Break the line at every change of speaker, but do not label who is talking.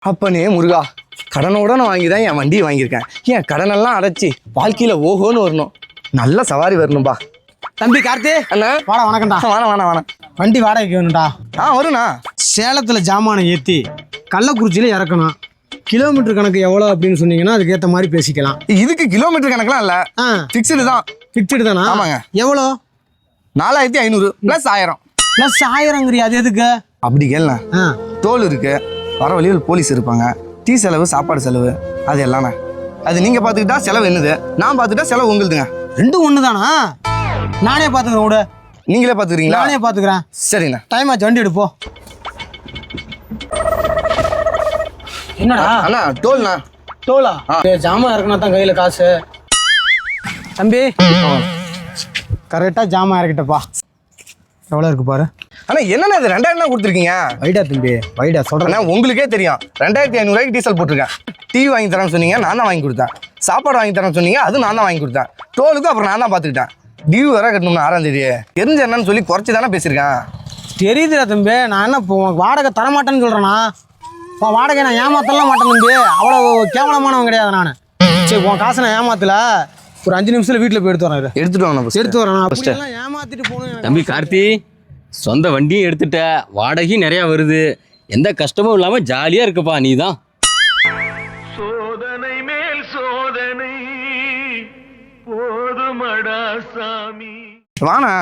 அப்பனே முருகா, கடனோட நான் வாங்கி தான் என் வண்டியை வாங்கியிருக்கேன். என் கடனெல்லாம் அடைச்சி வாழ்க்கையில ஓஹோன்னு வரணும். நல்ல சவாரி வரணும்பா.
தம்பி கார்த்தி
அண்ணா
வாடா. வணக்கம்டா.
வேணாம்.
வண்டி வாடகைக்கு வேணும்டா.
வருண்ணா.
சேலத்தில் ஜாமானை ஏற்றி கள்ளக்குறிச்சியில் இறக்கணும். கிலோமீட்டர் கணக்கு எவ்வளோ அப்படின்னு சொன்னீங்கன்னா அதுக்கேற்ற மாதிரி பேசிக்கலாம்.
இதுக்கு கிலோமீட்டர் கணக்கெல்லாம் இல்லை, ஃபிக்ஸ்டு தான்.
ஃபிக்ஸ்டு தானா?
ஆமாங்க.
எவ்வளோ?
4500 ப்ளஸ் 1000.
ப்ளஸ் 1000ங்கிறியா? அது எதுக்கு?
அப்படி கேள்ண்ணா. டோல் இருக்கு, வர வழியில் போலீஸ் இருப்பாங்க, டீ செலவு, சாப்பாடு செலவு, அது எல்லாமே. அது நீங்க பாத்துக்கிட்டா செலவு என்னது, நான் பாத்துக்கிட்டா செலவு உங்களுதுங்க.
ரெண்டும் ஒன்று தானா? நானே பார்த்துக்கிறேன் விட.
நீங்களே பாத்துக்கிறீங்களா?
நானே பார்த்துக்கிறேன்.
சரிண்ணா.
டைம் ஆச்சு, வண்டி எடுப்போம். என்னடா
அண்ணா டோல்ண்ணா.
டோலா? ஜாமான் இறக்குனா தான் கையில் காசு. தம்பி கரெக்டாக ஜாமான் இறக்கிட்டப்பா. எவ்வளோ இருக்கு பாரு.
அண்ணா என்னண்ணா இது 2000 தான் கொடுத்துருக்கீங்க?
வைடா தம்பி வைடா, சொல்கிறேன்.
உங்களுக்கே தெரியும் 2500 டீசல் போட்டிருக்கேன். டீ வாங்கி தரேன்னு சொன்னீங்க, நான் தான் வாங்கி கொடுத்தேன். சாப்பாடு வாங்கி தரேன்னு சொன்னீங்க, அது நான் தான் வாங்கி கொடுத்தேன். டோலுக்கு அப்புறம் நான் தான் பார்த்துக்கிட்டேன். டியூ வேற கட்டணும்னு 6ஆம் தேதி. தெரிஞ்ச என்னன்னு சொல்லி குறைச்சி தானே பேசியிருக்கேன்.
தெரியுதுடா தம்பி, நான் என்ன இப்போ உனக்கு வாடகை தரமாட்டேன்னு சொல்கிறேன்னா? வாடகை நான் ஏமாத்தலாம் மாட்டேன் தம்பி, அவ்வளோ கேவலமானவன் கிடையாது நான். சரி, உன் காசை நான் ஏமாத்தல. ஒரு 5 நிமிஷத்தில் வீட்டில் போய் எடுத்து வரேன்.
எடுத்துட்டு வாங்க.
எடுத்து வரேன். ஏமாத்திட்டு போகணும்.
தம்பி கார்த்தி, சொந்த வண்டியும் எடுத்துட்ட, வாடகையும் நிறையா வருது, எந்த கஷ்டமும் இல்லாமல் ஜாலியாக இருக்குப்பா. நீ தான்
சோதனை மேல் சோதனை போதுமடா சாமி.
வாண்ணா.